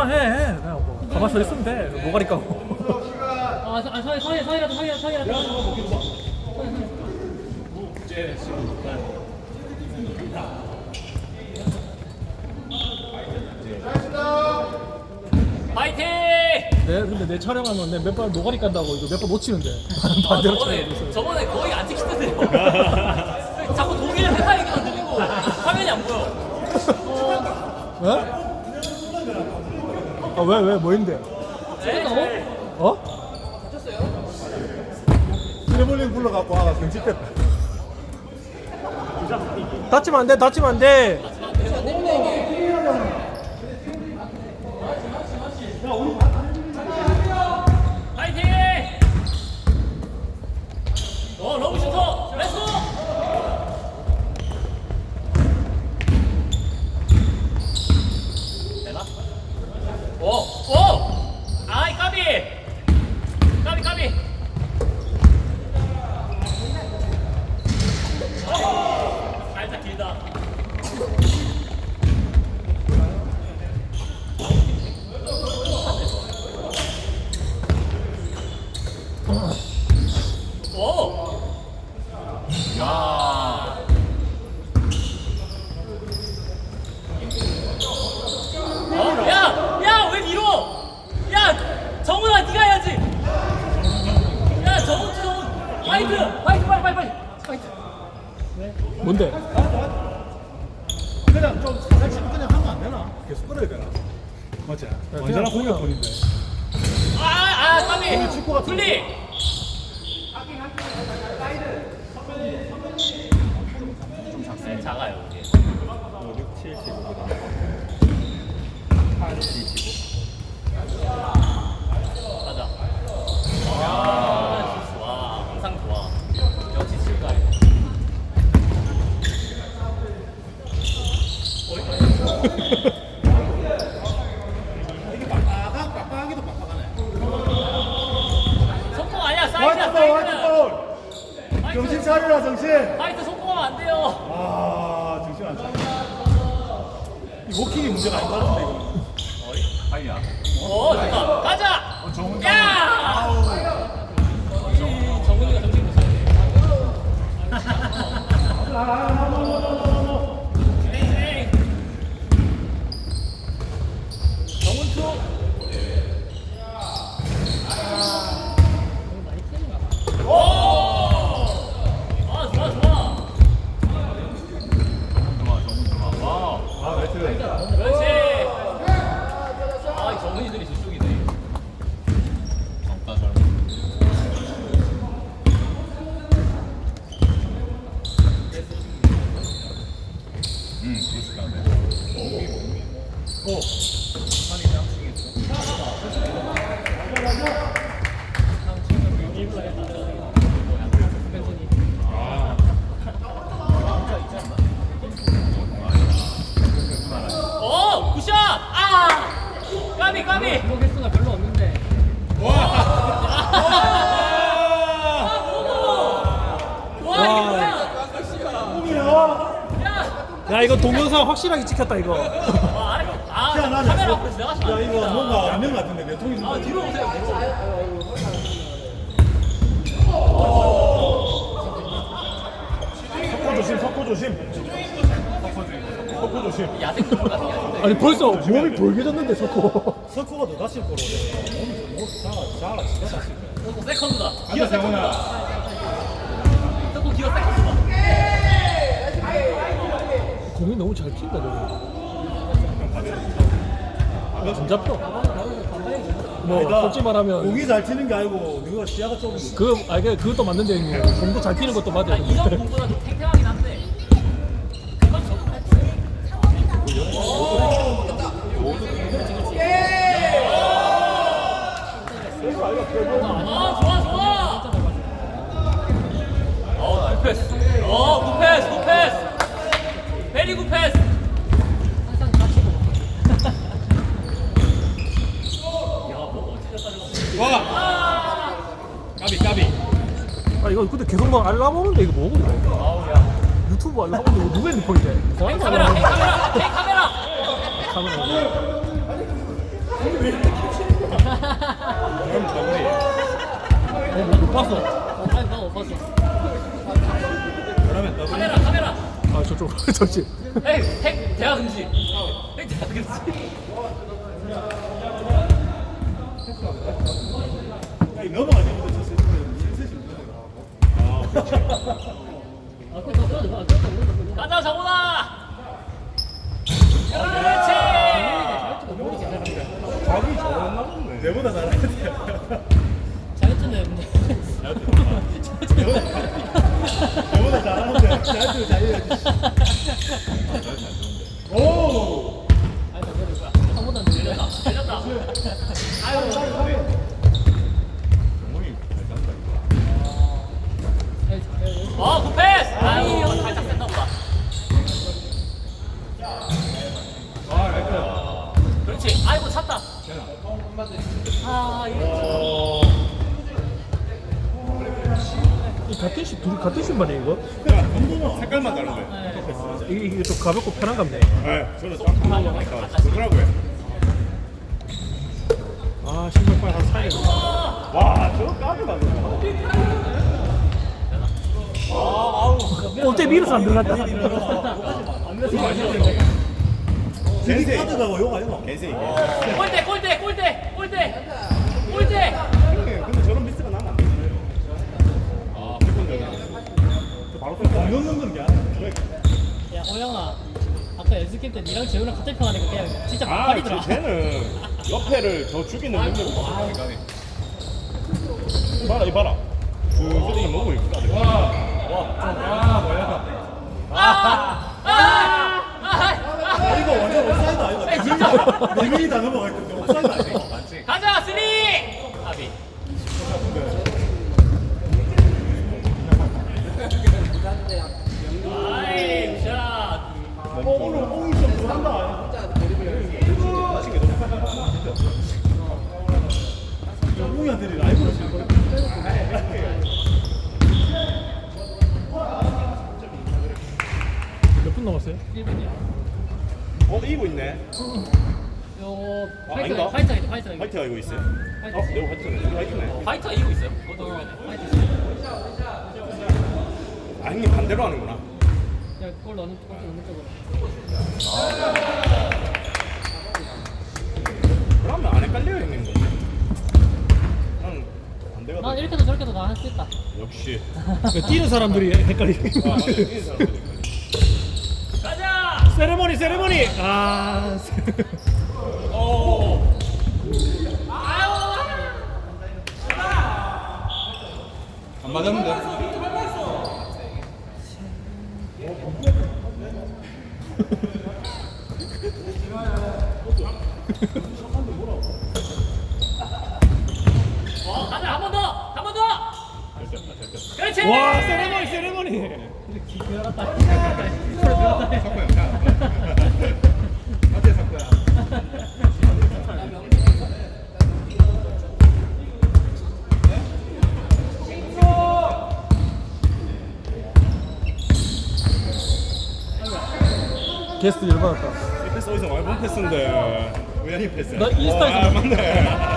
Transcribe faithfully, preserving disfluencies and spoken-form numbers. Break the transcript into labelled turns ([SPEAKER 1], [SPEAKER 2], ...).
[SPEAKER 1] 그만해. 그냥 뭐 가만 서 있으면 돼. 노가리 까고.
[SPEAKER 2] 아, 서- 아 서희 서희 서희라도 서희 서희라도.
[SPEAKER 3] 파이팅!
[SPEAKER 1] 내 근데 내 촬영하면 내 몇 번 노가리 깐다고 이거 몇 번 놓치는데.
[SPEAKER 3] 아,
[SPEAKER 1] 반대로
[SPEAKER 3] 저번에,
[SPEAKER 1] 촬영하고 있어요.
[SPEAKER 3] 저번에 거의 안 찍히던데요. 자꾸 독일 회사 얘기만 들리고 화면이 안 보여.
[SPEAKER 1] 어? 아왜 왜 뭐인데?
[SPEAKER 3] 네?
[SPEAKER 1] 어?
[SPEAKER 4] 트래블링 불러갖고 아가 경직됐다.
[SPEAKER 1] 다치면 안 돼. 다치면 안 돼.
[SPEAKER 3] 파이팅! 어, 러브 슈터! 렛츠고! 되나? 오! 오! 아이, 까비! 까비, 까비! 어, 살짝 길다. 오! 야! 어? 야! 야! 왜 밀어? 야! 정훈아 네가 해야지! 야! 정훈 정훈! 파이트! 파이트 빨리 빨리 빨리! 파이트!
[SPEAKER 1] 뭔데?
[SPEAKER 4] 그냥 좀 살살 치면 그냥 하면 안 되나? 계속 끌어야 되나? 맞지? 완전한
[SPEAKER 1] 그냥
[SPEAKER 4] 공격권인데.
[SPEAKER 3] 아! 아! 까비!
[SPEAKER 4] 축구 같은
[SPEAKER 3] 분리! 네, 작아요 이게.
[SPEAKER 4] 육, 칠, 십오.
[SPEAKER 3] 가자. 와, 좋아. 항상 좋아. 역시 칠가이.
[SPEAKER 4] 이게 빡빡하, 빡빡하기도 빡빡하네.
[SPEAKER 3] 속공 아니야. 사이드야,
[SPEAKER 4] 화이트 볼, 화이트
[SPEAKER 3] 사이드.
[SPEAKER 4] 볼!
[SPEAKER 3] 화이트.
[SPEAKER 4] 정신 차리라, 정신!
[SPEAKER 3] 화이트 속공하면 안 돼요.
[SPEAKER 4] 아, 정신 안 차려. 이 워킹이 문제가 아닌 것 같은데, 이거. 아니야.
[SPEAKER 3] 오, 좋다. 가자.
[SPEAKER 4] 어, 정훈
[SPEAKER 3] 야!
[SPEAKER 4] 아우.
[SPEAKER 3] 이 정훈이가 정신 못 차리네. 에이, 에이. 정훈 투. 오! 아, 좋아, 좋아.
[SPEAKER 4] 아, 나이스.
[SPEAKER 3] 그렇지. 아, 이 정훈이들이 저쪽이네. 젊다, 젊어.
[SPEAKER 4] 응, 그렇지가 않네. 오. 한이 양승했어.
[SPEAKER 3] 오, 굿샷! 아! 까비, 까비!
[SPEAKER 2] 공격 횟수가 별로 없는데.
[SPEAKER 3] 와, 이게 뭐야? 야!
[SPEAKER 1] 야 이거 동영상 확실하게 찍혔다 이거.
[SPEAKER 3] 와, 아래, 아,
[SPEAKER 4] 야, 나
[SPEAKER 3] 카메라 앞에서 내가 하시면
[SPEAKER 4] 야,
[SPEAKER 3] 안
[SPEAKER 4] 이거
[SPEAKER 3] 됩니다.
[SPEAKER 4] 뭔가 라면 같은데, 내 통이 좀.
[SPEAKER 3] 아, 뒤로 오세요, 뒤로.
[SPEAKER 4] 석고 조심, 석고 조심. 석고 조심.
[SPEAKER 3] 야생 좀 같은 게 아닌데.
[SPEAKER 1] 아니 벌써 몸이 벌개졌는데 석고.
[SPEAKER 4] 석고가 더 다칠 거로. 몸이 뭐, 자라, 자라, 진짜 다칠 거야.
[SPEAKER 3] 또 세컨드다.
[SPEAKER 4] 기어 세훈아.
[SPEAKER 3] 또 기어 세컨드다.
[SPEAKER 1] 공이 너무 잘 튄다 너. 안 잡혀. 뭐
[SPEAKER 4] 아니다.
[SPEAKER 1] 솔직히 말하면
[SPEAKER 4] 공이 잘 튀는 게 아니고 네가 시야가 좁은 거.
[SPEAKER 1] 그 아니 그 그것도 맞는데 형님. 공도 잘 튀는 것도 맞아요.
[SPEAKER 3] 아, 이전 공보다 좀 탱탱하긴 한데. 그건 저도 아, 좋아, 좋아. 어, 굿패스. 어, 굿패스, 굿패스. 베리 굿패스.
[SPEAKER 2] 항상 다치고.
[SPEAKER 3] 야, 뭐 어찌됐다
[SPEAKER 4] 와!
[SPEAKER 3] 아,
[SPEAKER 4] 까비, 까비.
[SPEAKER 1] 아 이거 근데 계속 막 알라보는데 이거 뭐고 이거?
[SPEAKER 3] 아우, 야.
[SPEAKER 1] 유튜브 알라보는데 이거 누가 핸드폰인데?
[SPEAKER 3] 행 카메라, 행 카메라, 행 카메라.
[SPEAKER 1] 카메라.
[SPEAKER 4] 그럼 더블이.
[SPEAKER 1] 어, 못 봤어.
[SPEAKER 2] 아니 나못 봤어.
[SPEAKER 4] 그러면 더블이.
[SPEAKER 3] 카메라 카메라.
[SPEAKER 1] 아, 저쪽, 저쪽.
[SPEAKER 3] 핵, 핵 대화 금지. 핵 대화 금지.
[SPEAKER 4] 아니, 넘어가지부터 저 실수시 아, 그렇지.
[SPEAKER 2] 아 그거 그거 그거 그거
[SPEAKER 3] 가자 정훈아. 그렇지.
[SPEAKER 4] 자기 잘했나 보네. 내보다 잘하는데.
[SPEAKER 2] 잘했네 근데.
[SPEAKER 4] 내보다 잘하는데. 자기도 잘해야지. 오!
[SPEAKER 2] 아니 나 그래 한 번도 안 들려.
[SPEAKER 3] 들렸다. 아유.
[SPEAKER 4] 정훈이 잘 간다, 이거.
[SPEAKER 3] 어 굿패스. 아유 살짝 셌나 보다.
[SPEAKER 4] 아, 나이스.
[SPEAKER 3] 그렇지. 아이고 찼다. 아 이거.
[SPEAKER 4] 어.
[SPEAKER 1] 이 같은 시, 둘이 같은 신발이야, 이거?
[SPEAKER 4] 야, 한번은 색깔만 다른데.
[SPEAKER 1] 이게, 이게 좀 가볍고 편한 같네.
[SPEAKER 4] 네, 저는 딱 한번 하니까 좋더라고요.
[SPEAKER 1] 아, 신발빨 한 사이.
[SPEAKER 4] 와, 저거 까비 맞네.
[SPEAKER 1] 어때 밀어서 안 들어갔다.
[SPEAKER 4] 겐세 카드가 욕 아니야? 겐세 이게.
[SPEAKER 3] 골대 골대 골대 골대 골대.
[SPEAKER 4] 근데 저런 미스가 나면 안 되지. 아, 저 바로 또 넣는 건 게 아니야.
[SPEAKER 2] 야 호영아 아까 연습팀 때 니랑 재훈이랑 같은 편 하니까 그냥 진짜
[SPEAKER 4] 아,
[SPEAKER 2] 막팔이더라.
[SPEAKER 4] 쟤는 옆에를 더 죽이는 능력이 없어. 인간이. 봐라, 이 봐라. 그 쓰레기 먹고 있다. 와, 와, 아, 뭐야?
[SPEAKER 3] 아! 아! 아!
[SPEAKER 4] 이거 완전 옵사이드 아니야? 네 명이 다 넘어가 있던데 옵사이드 아니야?
[SPEAKER 3] 가자 쓰리! 아비. 아이 샷.
[SPEAKER 4] 어, 오늘 옹이 좀 부산다. 옹이한테 라이브로 칠 거야.
[SPEAKER 1] 몇 분 남았어요?
[SPEAKER 2] 일 분이야.
[SPEAKER 4] 어, 이기고 있네.
[SPEAKER 2] 요
[SPEAKER 4] 아,
[SPEAKER 2] 파이터
[SPEAKER 4] 아닌가?
[SPEAKER 2] 파이터 파이터 파이터
[SPEAKER 4] 화이트가 이거 있어요?
[SPEAKER 2] 파이터.
[SPEAKER 4] 어, 내가 화이트네. 우리 화이트네.
[SPEAKER 3] 파이터가 이기고 있어요. 그것도
[SPEAKER 2] 어,
[SPEAKER 3] 의외네.
[SPEAKER 2] 파이터.
[SPEAKER 4] 아, 형님 반대로 하는구나.
[SPEAKER 2] 야골 넣는 골 넣는 쪽으로.
[SPEAKER 4] 그러면 안 헷갈려요, 형님도. 난 반대가
[SPEAKER 2] 난
[SPEAKER 4] 돼.
[SPEAKER 2] 이렇게도 저렇게도 다 할 수 있다.
[SPEAKER 4] 역시.
[SPEAKER 1] 뛰는 사람들이 헷갈리게.
[SPEAKER 4] 아, 맞아. 이기는 사람들이.
[SPEAKER 3] 가자!
[SPEAKER 1] 세레머니, 세레머니! 아,
[SPEAKER 3] 오.
[SPEAKER 4] 안 맞았는데.
[SPEAKER 3] 어, 가자 한 번 더! 한 번 더! 그렇지!
[SPEAKER 1] 와, 세레머니, 세레머니!
[SPEAKER 2] 들어갔다. 들어갔다. 들어갔다.
[SPEAKER 4] 어때, 석구야?
[SPEAKER 1] 게스트 열받았다.
[SPEAKER 4] 이 패스 어디서 많이 본 패스인데. 우연히 패스.
[SPEAKER 1] 나 인스타에서
[SPEAKER 4] 아, 맞네.